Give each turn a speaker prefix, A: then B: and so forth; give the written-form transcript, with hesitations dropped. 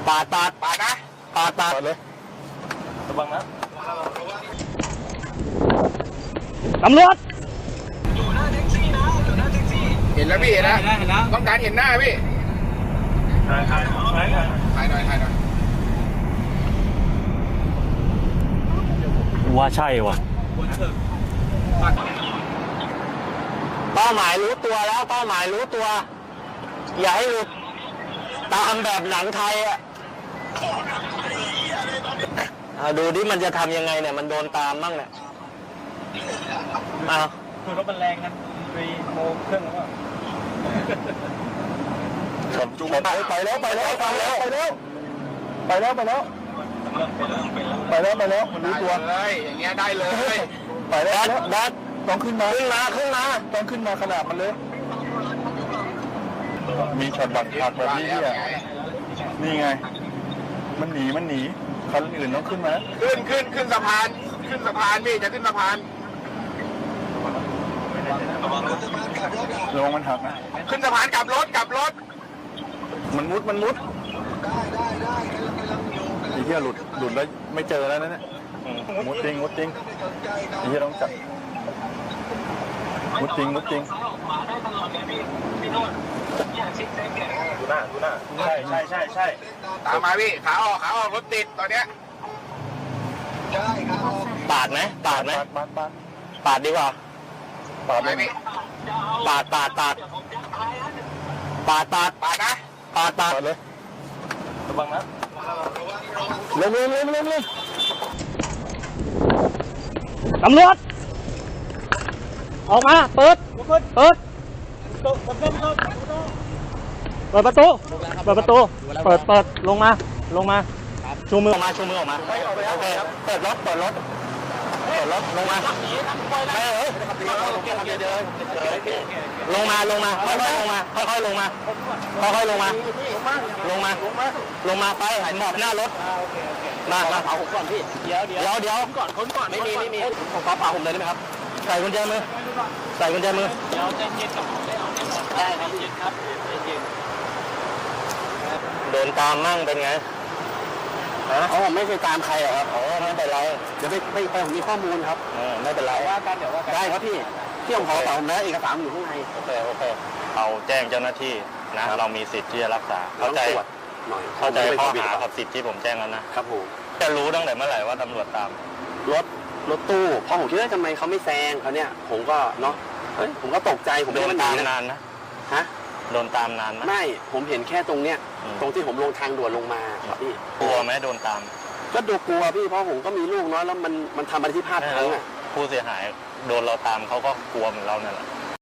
A: ปาดนะปาดเลยระวังนะตำรวจอยู่หน้าแท็กซี่นะอยู่หน้าแท็กซี่เห็นแล้วพี่เห็นแล้วต้องการเห็นหน้าพี่ถ่ายหน่อย
B: ว่าใช่วะ
A: เป้าหมายรู้ตัวแล้วเป้าหมายรู้ตัวอย่าให้หลุดตามแบบหนังไทยอ่ะดูดิมันจะทำยังไงเนี่ยมันโดนตามมั่งเนี่ย
B: คือรถมันแรงนะโมเครื่องแล้ว
A: จุ๊บไปแล้วมันรู้ตัวมันเลยอย่างเงี้ยได้เลยไปแล้วดัดต้องขึ้นมาต้องขึ้นมาขนาดมันเลยมีช็อตบัตรขาดแบบนี้ที่นี่ไงมันหนีคันอื่นต้องขึ้นมาขึ้นสะพานพี่จะขึ้นสะพานระวังมันหักนะขึ้นสะพานกลับรถมันมุดได้ไอ้เหี้ยหลุดแล้วไม่เจอแล้วนะเนี่ยมุดจริงไอ้เหี้ยต้องจับมุดจริงดูหน้าใช่ตามมาพี่ขาออกรถติดตอนเนี้ยปาดไหมปาดดีกว่าปาดไหมพี่ปาดเลยระวังนะเร็ว
B: ตำรวจออกมาเปิดประตูลงมาชูมือออกมาโอเคเปิดรถลงมาค่อยลงมาไปหมอบหน้ารถมาเผาผมก่อนพี่เดี๋ยวคนก่อนไม่มีผมขอเผาผมเลยได้ไหมครับใส่กุญแจมือเดี๋ยวใจเย็นกับผมได้ครับเย็นครับ
A: โดนตามมั่งเป็นไงไม่เคยตามใครหรอครับไม่เป็นไรเดี๋ยวไปผมมีข้อมูลครับไม่เป็นไรว่ากันได้ครับพี่ผมขอเป่าผมนะเอกสารอยู่ข้างในโอเคเอาแจ้งเจ้าหน้าที่นะเรามีสิทธิ์ที่จะรักษาเข้าใจข้อหากับสิทธิ์ที่ผมแจ้งแล้วนะครับผมจะรู้ตั้งแต่เมื่อไหร่ว่าตำรวจตามรถตู้พอผมคิดว่าทำไมเขาไม่แซงเขาเนี่ยผมก็เนาะผมก็ตกใจผมโดนตามนานนะโดนตามนานไม่ผมเห็นแค่ตรงเนี้ยตรงที่ผมลงทางด่วนลงมาครับพี่กลัวไหมโดนตามก็ดูกลัวพี่เพราะผมก็มีลูกน้อยแล้วมันทำอะไรที่พลาดพลั้งอ่ะผู้เสียหายโดนเราตามเขาก็กลัวเหมือนเราเนี่ยแหละ